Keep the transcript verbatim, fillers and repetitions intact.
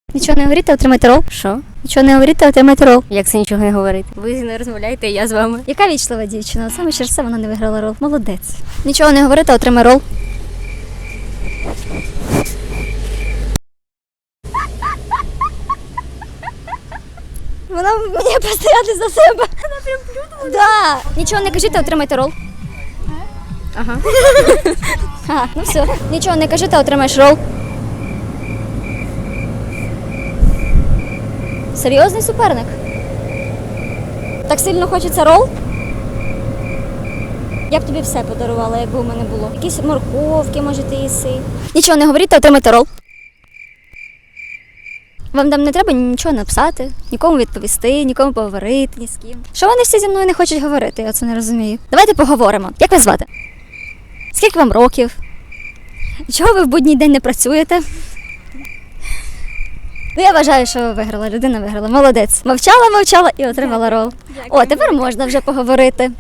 Нічого не говорите, отримайте рол. Що? Нічого не говорите, отримайте рол. Як це нічого не говорити? Ви не розмовляєте, я з вами. Яка вічлива дівчина? Саме через це вона не виграла рол. Молодець. Нічого не говорите, отримай рол. Вона мені постояти за себе. Вона прям плюнула. Да. Нічого не кажіть, отримайте рол. Ага. А, ну все. Нічого не кажи, ти отримаєш рол. Серйозний суперник. Так сильно хочеться рол? Я б тобі все подарувала, якби у мене було. Якісь морковки, може, ти їси. Нічого не говоріть, та отримайте рол. Вам там не треба нічого написати, нікому відповісти, нікому поговорити, ні з ким. Що вони всі зі мною не хочуть говорити, я це не розумію. Давайте поговоримо. Як вас звати? Скільки вам років? Чого ви в будній день не працюєте? Ну, я вважаю, що ви виграла, людина виграла. Молодець. Мовчала, мовчала і отримала рол. О, тепер можна вже поговорити.